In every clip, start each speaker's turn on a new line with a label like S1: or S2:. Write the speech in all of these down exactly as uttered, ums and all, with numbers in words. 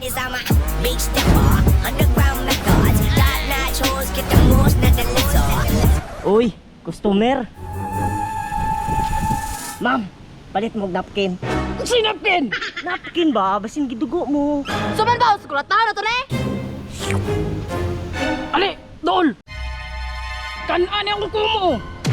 S1: Cause I'm a big stepper, underground methods, got nachos, get the most na deliver.
S2: Uy, customer. Ma'am, palit mo og napkin.
S3: Si napkin!
S2: Napkin ba? Basin gidugo mo.
S4: Suman ba? Sukulataw na to ne?
S3: Ali, dool! Kan-an ang kuko mo!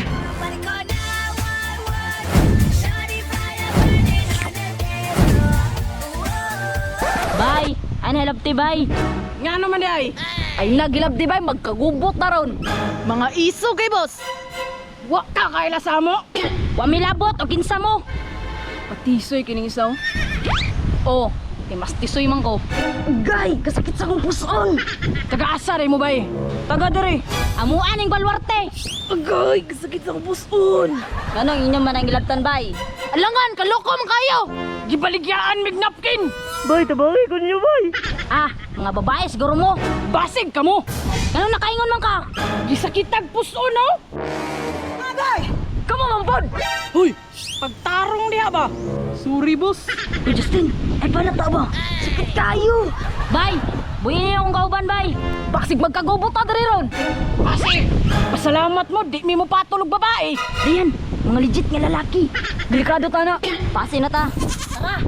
S4: Bay, ano hilap ti bay?
S3: Nga naman di ay!
S4: Ay nagilap di bay, magkagubot na ron. Mga iso kay boss.
S3: Wa ka kaila sa mo!
S4: Wa milabot o kinsa mo.
S3: Patisoy kining isaw.
S4: Oh, kay mas tisoy man ko.
S2: Gay, kasakit sa kong puson.
S3: Taga-asa rin mo ba eh? Taga diri!
S4: Amuan ning balwarte.
S2: Agay, kasakit sa kong puson.
S4: Ganong inyo man ang ilabtan bay? Alangan, kaloko man kayo.
S3: Gibaligyaan mig napkin!
S2: Bay, tabangay ko niyo, bay.
S4: Ah, mga babae siguro mo.
S3: Basig ka mo!
S4: Ganong nakaingon man ka?
S3: Gisakitag puso no? Agay! Kamo mampod! Hoy! Pagtarong diha ba? Sorry boss!
S2: Uy, Justin, ay panata ba? Sakit kayo.
S4: Bay, buhin niyo akong kauban bay. Baksig magkagubot na diri ron.
S3: Basig! Pasalamat mo, di mi mo patulog babae!
S4: Ayan, mga legit nga lalaki. Delikado ta na. Pasi na ta. Tara.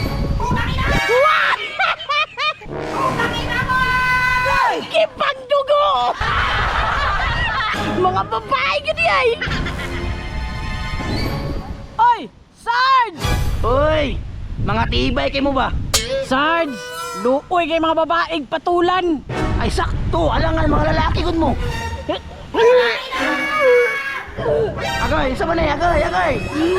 S3: Kipagdugo! Mga babae gini ay! Oy! Sarge!
S5: Uy! Mga tibay kay mo ba?
S3: Sarge! Luoy kay mga babaeng patulan!
S5: Ay sakto! Alangan mga lalaki gud mo! Agay! Isa man eh! Agay! Agay!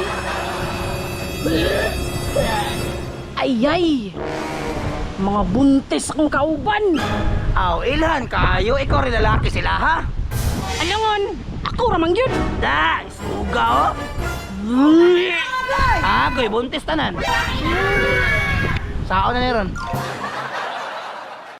S3: Ayay! Mga buntis akong kauban!
S5: Aw, ilhan kayo! Ikaw rin lalaki sila ha?
S3: Alangon! Ako ramang yun!
S5: Da! Isuga oh! Agoy! Buntis tanan! Sao na niron?